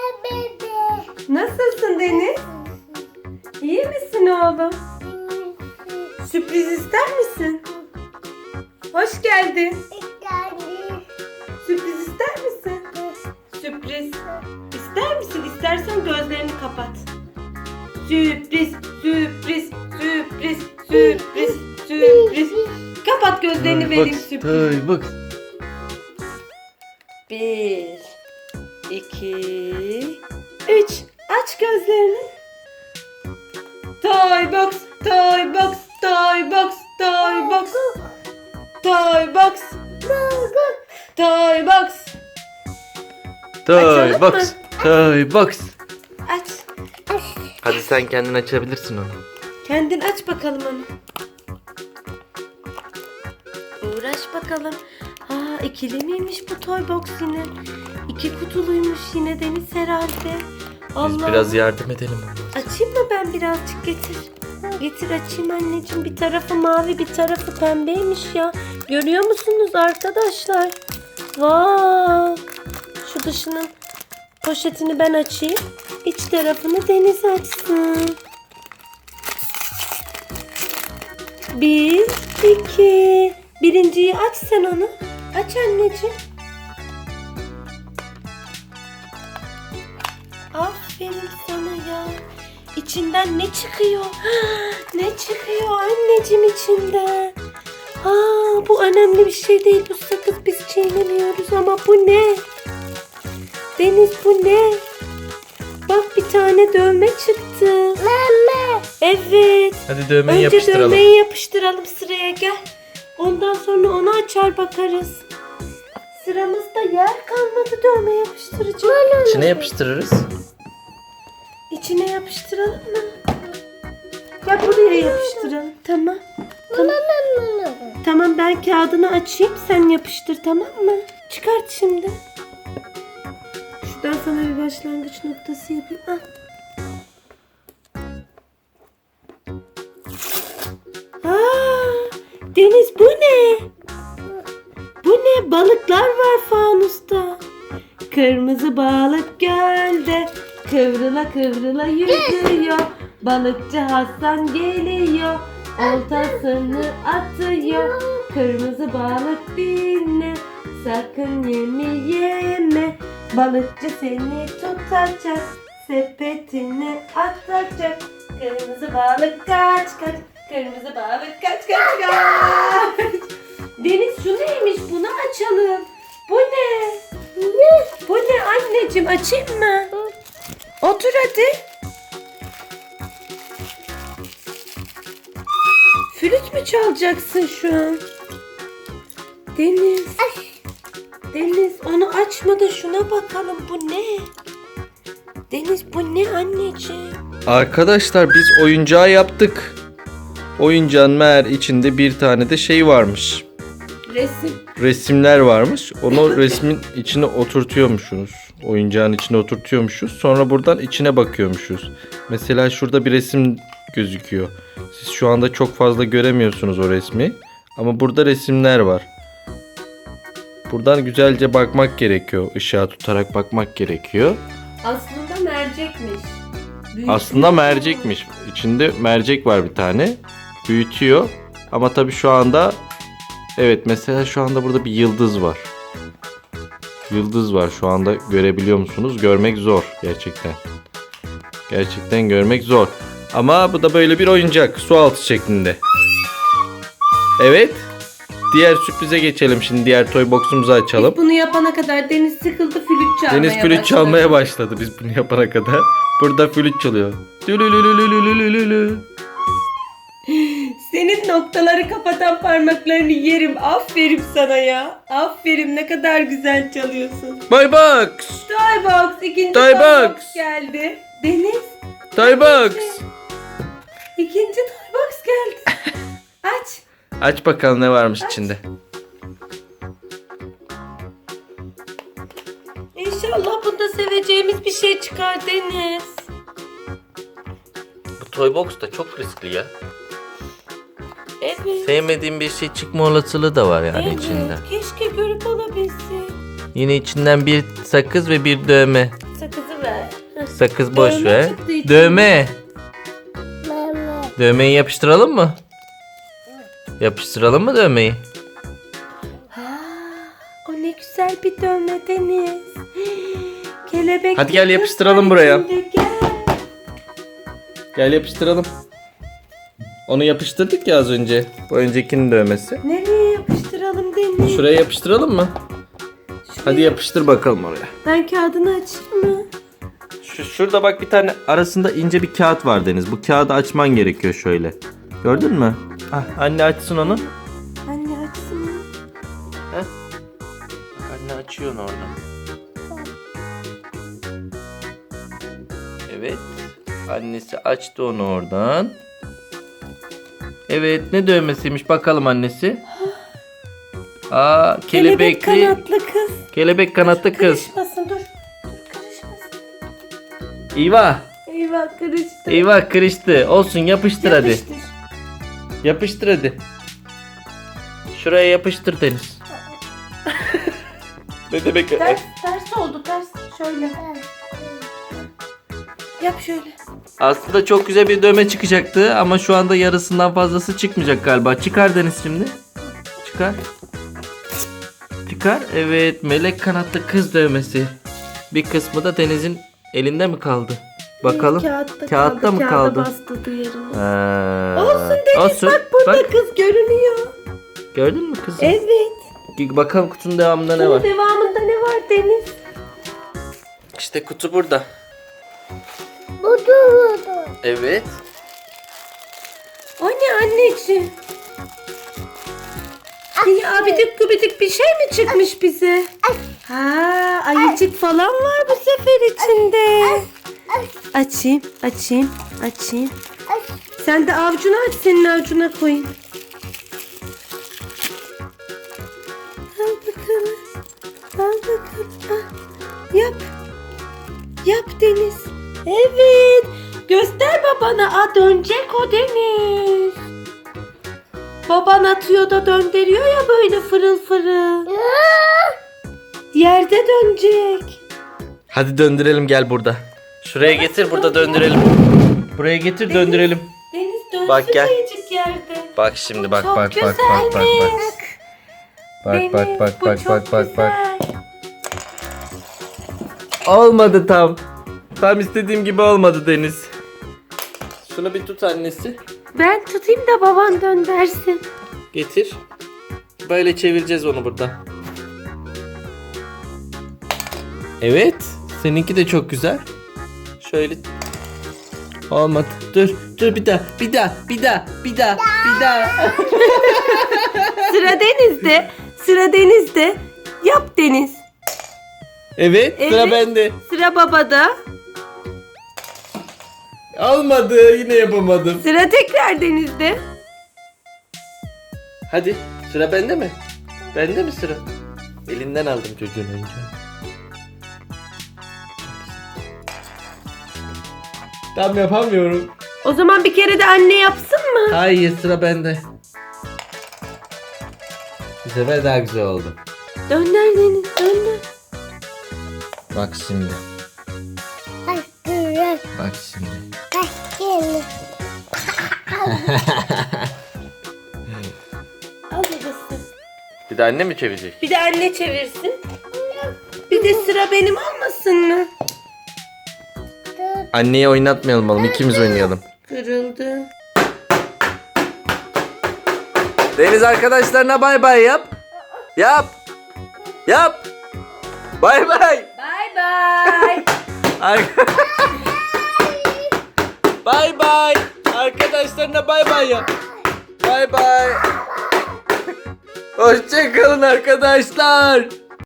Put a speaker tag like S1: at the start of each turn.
S1: Nasılsın Deniz? İyi misin oğlum? Sürpriz ister misin? Hoş geldin. Sürpriz ister misin? Sürpriz ister misin? İstersen gözlerini kapat. Sürpriz, sürpriz, sürpriz, sürpriz, sürpriz. Kapat gözlerini vereyim sürpriz.
S2: Bak.
S1: 1, 2, 3. Aç gözlerini. Toy box, toy box, toy box, toy box. Toy box. Toy box.
S2: Toy
S1: Açalım
S2: box.
S1: mı?
S2: Toy box.
S1: Aç.
S2: Hadi sen kendin açabilirsin onu.
S1: Kendin aç bakalım onu. Uğraş bakalım. Aa, ikili miymiş bu toy box yine? 2 kutuluymuş yine Deniz herhalde.
S2: Biz
S1: Allah.
S2: biraz yardım edelim ona.
S1: Açayım mı ben birazcık, getir. Getir açayım anneciğim. Bir tarafı mavi, bir tarafı pembeymiş ya. Görüyor musunuz arkadaşlar? Vay. Şu dışının poşetini ben açayım. İç tarafını Deniz açsın. 1, 2. Birinciyi aç sen onu. Aç anneciğim. Aferin sana ya. İçinden ne çıkıyor? Ne çıkıyor anneciğim içinden? Aa, bu önemli bir şey değil. Bu sakız biz çiğnemiyoruz ama bu ne? Deniz bu ne? Bak bir tane dövme çıktı. Evet.
S2: Hadi dövmeyi
S1: Önce
S2: yapıştıralım.
S1: dövmeyi yapıştıralım, sıraya gel. Ondan sonra onu açar bakarız. Sıramızda yer kalmadı dövme yapıştıracak.
S2: İçine yapıştırırız.
S1: İçine yapıştıralım mı? Ya buraya yapıştıralım. Tamam. Tamam. Tamam, ben kağıdını açayım, sen yapıştır, tamam mı? Çıkart şimdi. Şuradan sana bir başlangıç noktası yapayım. Ah. Aa, Deniz bu ne? Bu ne? Balıklar var fanusta. Kırmızı balık gölde kıvrıla kıvrıla yüzüyor. Balıkçı Hasan geliyor, oltasını atıyor. Kırmızı balık dinle, sakın yeme. Balıkçı seni tutacak, sepetine atacak. Kırmızı balık kaç kaç, kırmızı balık kaç kaç kaç. Deniz şu neymiş, bunu açalım. Bu ne? Bu ne anneciğim, açayım mı? Otur hadi. Flüt mü çalacaksın şu an? Deniz. Deniz onu açma da şuna bakalım, bu ne? Deniz bu ne anneciğim?
S2: Arkadaşlar biz oyuncağı yaptık. Oyuncağın meğer içinde bir tane de şey varmış.
S1: Resim.
S2: Resimler varmış. Onu resmin içine oturtuyormuşuz. Oyuncağın içine oturtuyormuşuz. Sonra buradan içine bakıyormuşuz. Mesela şurada bir resim gözüküyor. Siz şu anda çok fazla göremiyorsunuz o resmi. Ama burada resimler var. Buradan güzelce bakmak gerekiyor. Işığa tutarak bakmak gerekiyor.
S1: Aslında mercekmiş.
S2: Aslında mercekmiş. İçinde mercek var bir tane. Büyütüyor. Ama tabii şu anda evet, mesela şu anda burada bir yıldız var. Yıldız var şu anda, görebiliyor musunuz? Görmek zor gerçekten. Gerçekten görmek zor. Ama bu da böyle bir oyuncak, su altı şeklinde. Evet. Diğer sürprize geçelim şimdi. Diğer toy box'umuzu açalım.
S1: Biz bunu yapana kadar Deniz sıkıldı, flüt çalmaya
S2: Deniz flüt
S1: başladı.
S2: çalmaya başladı biz bunu yapana kadar. Burada flüt çalıyor. Lülülülülülülülülü.
S1: Senin noktaları kapatan parmaklarını yerim. Aferin sana ya. Aferin, ne kadar güzel çalıyorsun.
S2: Toy box.
S1: Toy box, ikinci
S2: Toy
S1: toy
S2: box.
S1: box geldi. Deniz,
S2: Toy box.
S1: ikinci toy box geldi. Aç.
S2: Aç bakalım ne varmış içinde.
S1: İnşallah bunda seveceğimiz bir şey çıkar Deniz.
S2: Bu toy box da çok riskli ya.
S1: Evet.
S2: Sevmediğim bir şey çıkma olasılığı da var yani
S1: Evet.
S2: içinden.
S1: Keşke görüp alabilsek.
S2: Yine içinden bir sakız ve bir dövme.
S1: Sakızı ver.
S2: Sakız boş
S1: Dövme
S2: ver.
S1: çıktı içinden.
S2: Dövme. Dövmeyi yapıştıralım mı? Yapıştıralım mı dövmeyi?
S1: Ha, o ne güzel bir dövme Deniz. Kelebek.
S2: Hadi gel
S1: kız
S2: yapıştıralım
S1: var
S2: buraya.
S1: içinde, Gel.
S2: Gel yapıştıralım. Onu yapıştırdık ya az önce. Bu öncekinin dövmesi.
S1: Nereye yapıştıralım Deniz?
S2: Şuraya yapıştıralım mı? Hadi yapıştır bakalım oraya.
S1: Ben kağıdını açayım mı?
S2: Şurada bak bir tane arasında ince bir kağıt var Deniz. Bu kağıdı açman gerekiyor şöyle. Gördün mü? Ah, anne açsın onu.
S1: Anne açsın.
S2: Heh. Anne açıyor onu orada. Evet. Annesi açtı onu oradan. Evet, ne dövmesiymiş bakalım annesi. Aa,
S1: Kelebek
S2: kelebekli.
S1: kanatlı kız.
S2: Kelebek kanatlı kız.
S1: Karışmasın dur. Dur karışmasın.
S2: Eyvah.
S1: Eyvah karıştı.
S2: Eyvah kırıştı. Olsun yapıştır hadi.
S1: Yapıştır.
S2: Yapıştır hadi. Şuraya yapıştır Deniz. Ne demek?
S1: Ters oldu ters. Şöyle. Yap şöyle.
S2: Aslında çok güzel bir dövme çıkacaktı ama şu anda yarısından fazlası çıkmayacak galiba. Çıkar Deniz şimdi. Çıkar. Çıkar. Evet, melek kanatlı kız dövmesi. Bir kısmı da Deniz'in elinde mi kaldı? Bakalım. Kağıtta mı kaldı?
S1: Kağıda bastırdı yerine.
S2: Ha.
S1: Olsun Deniz
S2: Olsun.
S1: bak burada
S2: Bak,
S1: kız görünüyor.
S2: gördün mü kızım?
S1: Evet.
S2: Bakalım kutunun devamında ne
S1: Bunun
S2: var?
S1: devamında ne var Deniz?
S2: İşte kutu burada. Evet.
S1: O ne anneciğim? Yine abidik gubidik bir şey mi çıkmış bize? Ha, ayıcık falan var bu sefer içinde. Açayım. Sen de avucunu aç, senin avucuna koyayım. Al bakalım. Ah, yap Deniz. Evet. Göster babana. Aa, dönecek o Deniz. Baban atıyor da döndürüyor ya böyle fırıl fırıl. Yerde dönecek.
S2: Hadi döndürelim gel burada. Şuraya getir burada döndürelim. Buraya getir döndürelim.
S1: Deniz dönsün
S2: Bak, gel.
S1: ayıcık yerde.
S2: Bak şimdi bak
S1: Çok
S2: bak bak bak bak bak.
S1: güzelmiş.
S2: Bak
S1: Deniz,
S2: bak bak
S1: bu
S2: bak
S1: çok
S2: bak bak bak.
S1: güzel.
S2: Olmadı tam. Tam istediğim gibi olmadı Deniz. Şunu bir tut annesi.
S1: Ben tutayım da baban döndersin.
S2: Getir. Böyle çevireceğiz onu burada. Evet. Seninki de çok güzel. Şöyle. Olmadı. Dur bir daha.
S1: Sıra Deniz'de. Yap Deniz.
S2: Evet, sıra
S1: Evet.
S2: bende.
S1: Sıra babada.
S2: Olmadı, yine yapamadım.
S1: Sıra tekrar Deniz'de.
S2: Hadi, sıra bende mi? Bende mi sıra? Elinden aldım çocuğun önce. Tam yapamıyorum.
S1: O zaman bir kere de anne yapsın mı?
S2: Hayır, sıra bende. Bu sefer daha güzel oldu.
S1: Dönder Deniz, dönder.
S2: Bak şimdi. Bak şimdi.
S1: Al babası.
S2: Bir de anne mi çevirecek?
S1: Bir de anne çevirsin. Bir de sıra benim olmasın mı?
S2: Anneyi oynatmayalım oğlum, ikimiz oynayalım.
S1: Kırıldı.
S2: Deniz arkadaşlarına bay bay yap. Yap. Bay bay.
S1: Bye bye.
S2: Bay bay. Arkadaşlarına bay bay yap. Bay bay. Hoşça kalın arkadaşlar.